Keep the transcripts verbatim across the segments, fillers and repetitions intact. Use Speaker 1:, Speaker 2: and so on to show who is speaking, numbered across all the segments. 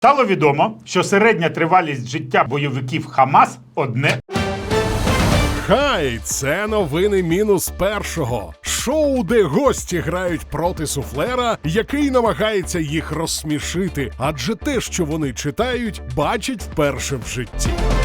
Speaker 1: Стало відомо, що середня тривалість життя бойовиків Хамас – одне.
Speaker 2: Хай, це новини мінус першого. Шоу, де гості грають проти суфлера, який намагається їх розсмішити, адже те, що вони читають, бачать вперше в житті.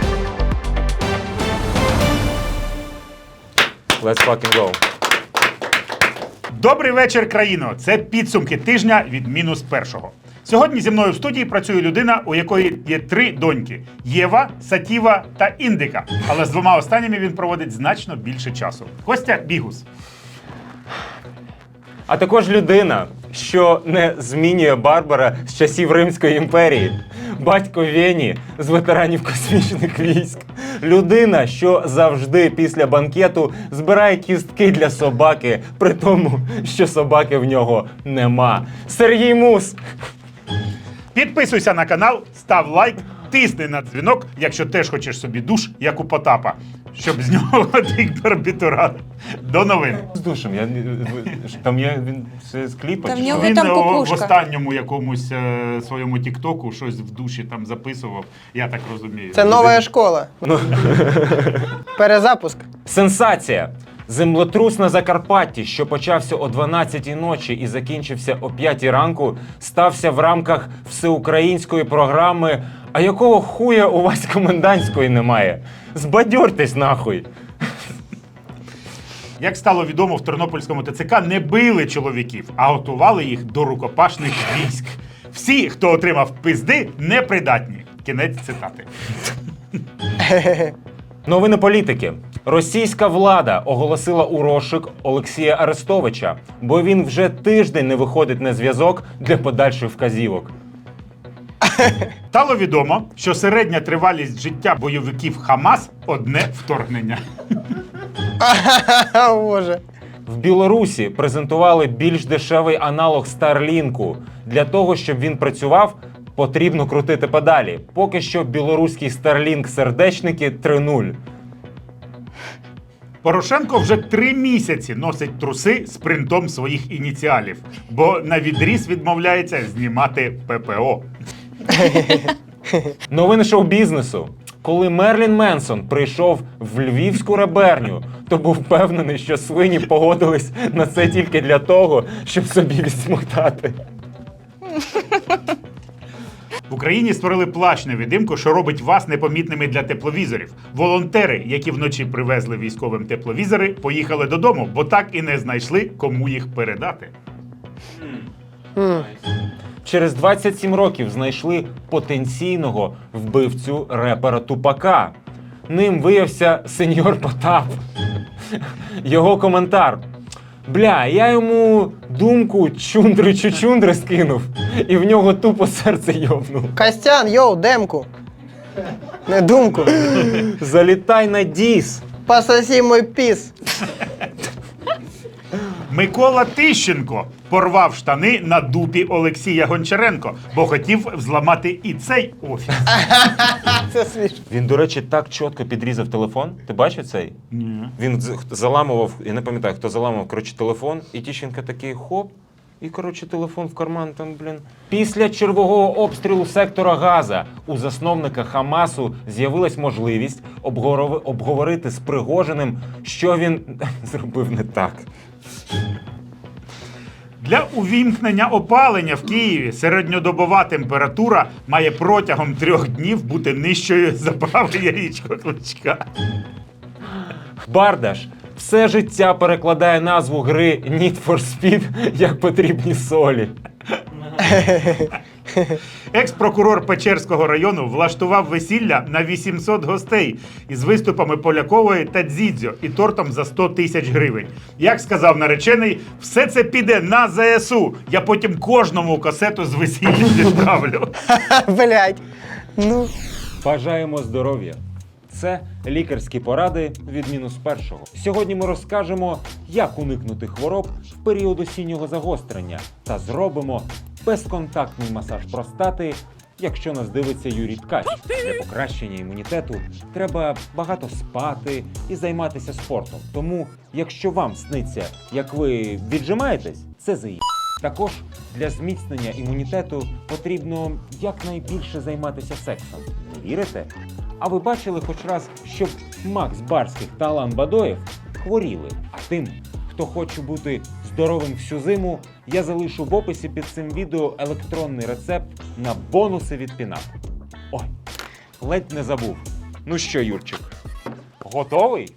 Speaker 3: Let's fucking go.
Speaker 1: Добрий вечір, країно! Це підсумки тижня від мінус першого. Сьогодні зі мною в студії працює людина, у якої є три доньки – Єва, Сатіва та Індика. Але з двома останніми він проводить значно більше часу. Костя Бігус.
Speaker 3: А також людина, що не змінює Барбара з часів Римської імперії. Батько Вені з ветеранів космічних військ. Людина, що завжди після банкету збирає кістки для собаки, при тому, що собаки в нього нема. Сергій Мус.
Speaker 1: Підписуйся на канал, став лайк, тисни на дзвінок, якщо теж хочеш собі душ, як у Потапа, щоб з нього тік барбітурат. До новин.
Speaker 3: З душем, я, там є він все з кліпа.
Speaker 4: Та в
Speaker 3: чи
Speaker 4: нього
Speaker 3: що?
Speaker 1: Він
Speaker 4: там
Speaker 1: о,
Speaker 4: кукушка.
Speaker 1: в останньому якомусь е, своєму тіктоку щось в душі там записував, я так розумію.
Speaker 5: Це нова школа. Перезапуск.
Speaker 3: Сенсація! Землетрус на Закарпатті, що почався о дванадцятій ночі і закінчився о п'ятій ранку, стався в рамках всеукраїнської програми «А якого хуя у вас комендантської немає? Збадьортесь нахуй!»
Speaker 1: Як стало відомо, в Тернопільському ТЦК не били чоловіків, а готували їх до рукопашних військ. Всі, хто отримав пизди, непридатні. Кінець цитати.
Speaker 3: Новини політики. Російська влада оголосила у розшук Олексія Арестовича, бо він вже тиждень не виходить на зв'язок для подальших вказівок.
Speaker 1: Стало відомо, що середня тривалість життя бойовиків Хамас – одне вторгнення.
Speaker 5: О, Боже.
Speaker 3: В Білорусі презентували більш дешевий аналог Старлінку. Для того, щоб він працював, потрібно крутити педалі. Поки що білоруський Старлінк-сердечники три нуль.
Speaker 1: Порошенко вже три місяці носить труси з принтом своїх ініціалів, бо на відріз відмовляється знімати ППО.
Speaker 3: Новини шоу-бізнесу. Коли Мерлін Менсон прийшов в львівську реберню, то був впевнений, що свині погодились на це тільки для того, щоб собі відсмоктати.
Speaker 1: В Україні створили плащ-невидимку, що робить вас непомітними для тепловізорів. Волонтери, які вночі привезли військовим тепловізори, поїхали додому, бо так і не знайшли, кому їх передати.
Speaker 3: Через двадцять сім років знайшли потенційного вбивцю репера Тупака. Ним виявився сеньор Потап. Його коментар. Бля, я йому думку чундри-чучундри скинув, і в нього тупо серце йовнув.
Speaker 5: Костян, йоу, демку. Не думку.
Speaker 3: Залітай на діс.
Speaker 5: Пососи мой піс.
Speaker 1: Микола Тищенко порвав штани на дупі Олексія Гончаренко, бо хотів взламати і цей офіс.
Speaker 5: Це смішно.
Speaker 3: Він, до речі, так чітко підрізав телефон. Ти бачив цей?
Speaker 1: Ні.
Speaker 3: Він з- заламував, я не пам'ятаю, хто заламував, коротше, телефон, і Тищенко такий хоп, і, коротше, телефон в карман там, блін. Після чергового обстрілу сектора Газа у засновника Хамасу з'явилась можливість обгорови- обговорити з Пригожиним, що він зробив не так.
Speaker 1: Для увімкнення опалення в Києві середньодобова температура має протягом трьох днів бути нижчою за праве яєчко Кличка.
Speaker 3: Бардаш все життя перекладає назву гри Need for Speed як потрібні солі.
Speaker 1: Екс-прокурор Печерського району влаштував весілля на вісімсот гостей із виступами Полякової та Дзідзьо і тортом за сто тисяч гривень. Як сказав наречений, все це піде на ЗСУ. Я потім кожному касету з весілля відправлю.
Speaker 5: Блять. Ну.
Speaker 3: Бажаємо здоров'я! Це лікарські поради від мінус першого. Сьогодні ми розкажемо, як уникнути хвороб в період осіннього загострення та зробимо безконтактний масаж простати, якщо нас дивиться Юрій Ткач. Для покращення імунітету треба багато спати і займатися спортом. Тому, якщо вам сниться, як ви віджимаєтесь, це заїб. Також для зміцнення імунітету потрібно якнайбільше займатися сексом. Не вірите? А ви бачили хоч раз, щоб Макс Барських та Алан Бадоєв хворіли? А тим, хто хоче бути здоровим всю зиму, я залишу в описі під цим відео електронний рецепт на бонуси від Пінап. Ой, ледь не забув. Ну що, Юрчик, готовий?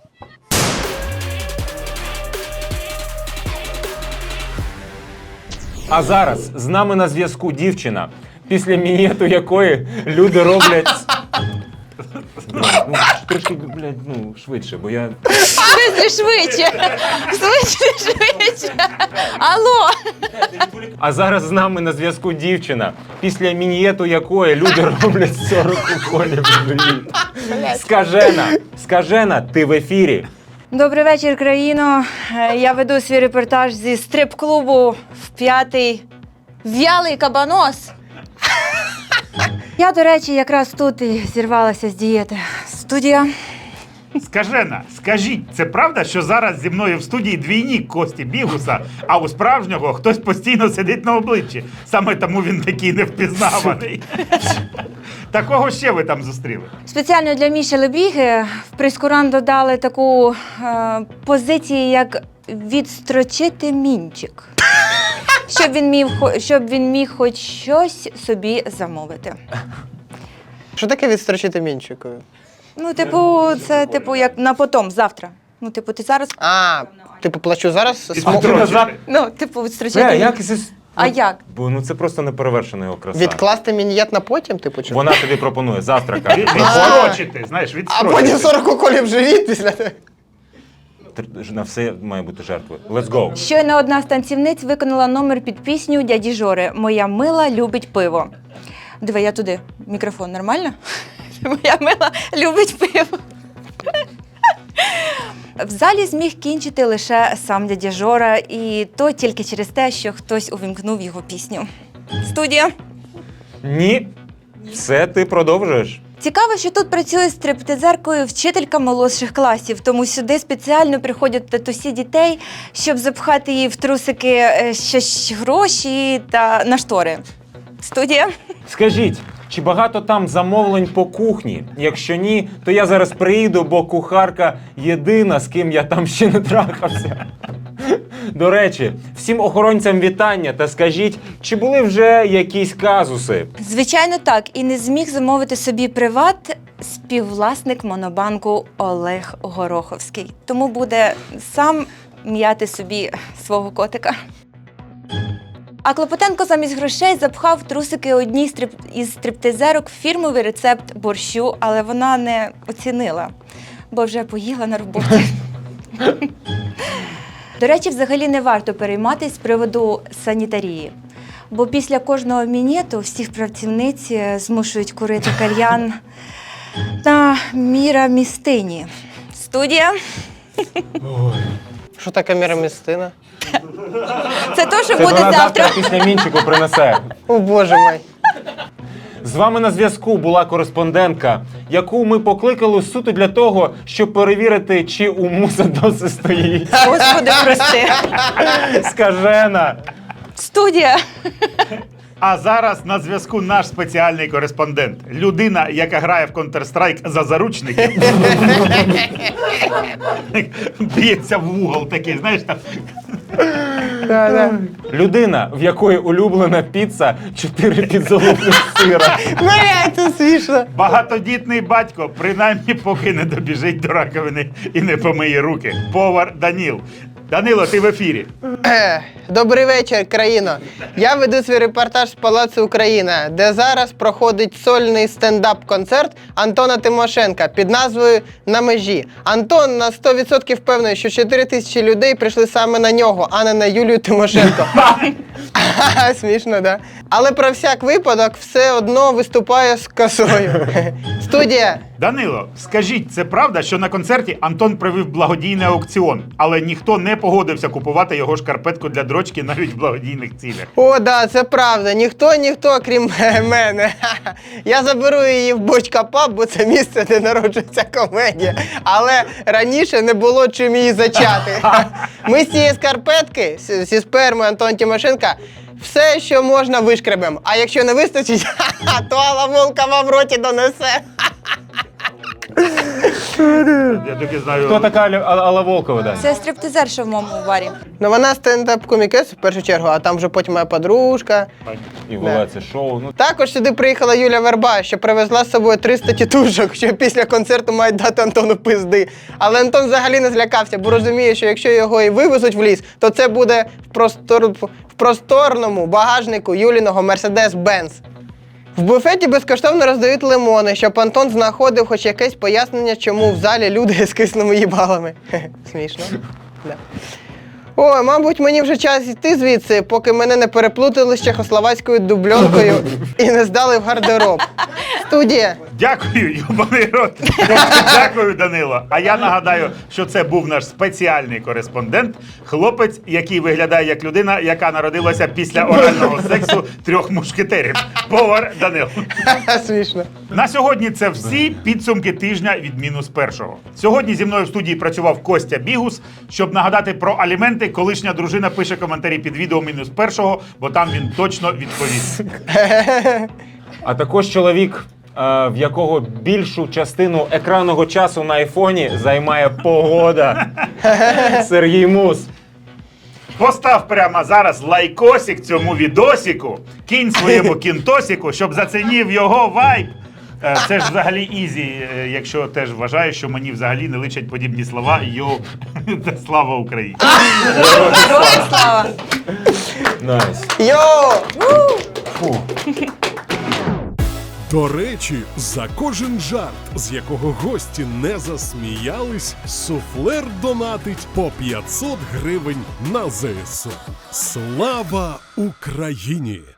Speaker 3: А зараз з нами на зв'язку дівчина, після мінету якої люди роблять... Ну, трошки, блядь, ну, швидше, бо я...
Speaker 4: Швидше, швидше. Швидше, швидше. Алло.
Speaker 3: А зараз з нами на зв'язку дівчина, після мінієту якої люди роблять сорок уколів в живіт. Скажена, скажена, ти в ефірі.
Speaker 4: Добрий вечір, країно. Е, Я веду свій репортаж зі стрип-клубу в п'ятий в'ялий кабанос. Я, до речі, якраз тут і зірвалася з дієти. Студія.
Speaker 1: Скажена, скажіть, це правда, що зараз зі мною в студії двійник Кості Бігуса, а у справжнього хтось постійно сидить на обличчі? Саме тому він такий невпізнаваний. Такого ще ви там зустріли?
Speaker 4: Спеціально для Міші Лебіги в прескурант додали таку е, позицію, як відстрочити мінчик. Щоб він, міг, хо- щоб він міг хоч щось собі замовити.
Speaker 5: Що таке відстрочити мінчикою?
Speaker 4: Ну, типу, це типу як на потом, завтра. Ну, типу, ти зараз.
Speaker 5: А, типу, плачу зараз.
Speaker 1: І
Speaker 5: смо-
Speaker 1: строчити.
Speaker 4: Ну, типу, відстрочити.
Speaker 3: Бля,
Speaker 4: мінчик.
Speaker 3: як це...
Speaker 4: А як?
Speaker 3: Бо ну це просто неперевершена його краса.
Speaker 5: Відкласти мінієт на потім, типу, чи?
Speaker 3: Вона тобі пропонує завтра, каже.
Speaker 1: Від-
Speaker 3: приходь.
Speaker 1: Відстрочити, знаєш,
Speaker 5: А
Speaker 1: відстрочити.
Speaker 5: потім сорок уколів в живіт після того.
Speaker 3: Тр- На все має бути жертвою. Let's go.
Speaker 4: Щойно одна з танцівниць виконала номер під пісню дяді Жори «Моя мила любить пиво». Диви, я туди. Мікрофон нормально? Моя мила любить пиво. В залі зміг кінчити лише сам дядя Жора, і то тільки через те, що хтось увімкнув його пісню. Студія.
Speaker 3: Ні. Все, ти продовжуєш.
Speaker 4: Цікаво, що тут працює стриптизеркою вчителька молодших класів, тому сюди спеціально приходять татусі дітей, щоб запхати їй в трусики е, щось гроші та на штори. Студія.
Speaker 3: Скажіть, чи багато там замовлень по кухні? Якщо ні, то я зараз приїду, бо кухарка єдина, з ким я там ще не трахався. До речі, всім охоронцям вітання та скажіть, чи були вже якісь казуси?
Speaker 4: Звичайно, так. І не зміг замовити собі приват співвласник монобанку Олег Гороховський. Тому буде сам м'яти собі свого котика. А Клопотенко замість грошей запхав в трусики одній стрип... із стриптизерок фірмовий рецепт борщу, але вона не оцінила, бо вже поїла на роботі. До речі, взагалі не варто перейматися з приводу санітарії, бо після кожного мінету всіх працівниць змушують курити кальян на мірамістині. Студія.
Speaker 5: Що таке мірамістина?
Speaker 4: Це то, що
Speaker 3: Це
Speaker 4: буде
Speaker 3: вона
Speaker 4: завтра.
Speaker 3: завтра після мінчику принесе.
Speaker 5: О, боже мой.
Speaker 3: З вами на зв'язку була кореспондентка, яку ми покликали суто для того, щоб перевірити, чи у муса досі стоїть.
Speaker 4: Господи, прости.
Speaker 3: Скажена.
Speaker 4: Студія.
Speaker 1: А зараз на зв'язку наш спеціальний кореспондент. Людина, яка грає в Counter-Strike за заручників. Б'ється в угол такий, знаєш, там.
Speaker 3: Людина, в якої улюблена піца чотири підзолотних сира.
Speaker 5: Блядь, це смішно.
Speaker 1: Багатодітний батько, принаймні поки не добіжить до раковини і не помиє руки. Повар Даніл. Данило, ти в ефірі.
Speaker 5: Е, Добрий вечір, країно. Я веду свій репортаж з Палацу Україна, де зараз проходить сольний стендап-концерт Антона Тимошенка під назвою «На межі». Антон на сто відсотків впевнений, що чотири тисячі людей прийшли саме на нього, а не на Юлію Тимошенко. Смішно, да? Але про всяк випадок все одно виступає з косою. Студія.
Speaker 1: Данило, скажіть, це правда, що на концерті Антон провів благодійний аукціон, але ніхто не не погодився купувати його шкарпетку для дрочки навіть в благодійних цілях.
Speaker 5: О, да, це правда. Ніхто, ніхто, крім мене. Я заберу її в Бочка Паб, бо це місце, де народжується комедія. Але раніше не було чим її зачати. Ми з цієї скарпетки, з- зі сперми Антона Тимошенка, все, що можна, вишкребемо. А якщо не вистачить, то Алла Волкова в роті донесе.
Speaker 1: Я тільки знаю.
Speaker 3: Хто така Алла, Алла Волкова, Дань?
Speaker 4: Це стриптизерша в моєму барі.
Speaker 5: Ну вона стендап-комікес в першу чергу, а там вже потім моя подружка.
Speaker 3: І вела це шоу. Ну,
Speaker 5: Також сюди приїхала Юля Верба, що привезла з собою триста тітушок, що після концерту мають дати Антону пизди. Але Антон взагалі не злякався, бо розуміє, що якщо його і вивезуть в ліс, то це буде в, простор... в просторному багажнику Юліного Мерседес-Бенц. В буфеті безкоштовно роздають лимони, щоб Антон знаходив хоч якесь пояснення, чому в залі люди з кисними їбалами. Хе-хе, смішно. Да. Ой, мабуть, мені вже час йти звідси, поки мене не переплутали з чехословацькою дубльонкою і не здали в гардероб. Студія.
Speaker 1: Дякую, юбаний рот. Дякую, Данило. А я нагадаю, що це був наш спеціальний кореспондент, хлопець, який виглядає як людина, яка народилася після орального сексу трьох мушкетерів. Повар Данило.
Speaker 5: Смішно.
Speaker 1: На сьогодні це всі підсумки тижня від мінус першого. Сьогодні зі мною в студії працював Костя Бігус. Щоб нагадати про аліменти, колишня дружина пише коментарі під відео мінус першого, бо там він точно відповість.
Speaker 3: а також чоловік, е, в якого більшу частину екранного часу на айфоні займає погода. Сергій Мус.
Speaker 1: Постав прямо зараз лайкосик цьому відосику, кінь своєму кінтосику, щоб зацінив його вайб. Е, Це ж взагалі ізі, е, якщо теж вважаєш, що мені взагалі не личать подібні слова. Йо, та слава Україні.
Speaker 4: Героям слава!
Speaker 3: Найс.
Speaker 5: Йоу!
Speaker 3: Фу.
Speaker 2: До речі, за кожен жарт, з якого гості не засміялись, суфлер донатить по п'ятсот гривень на ЗСУ. Слава Україні!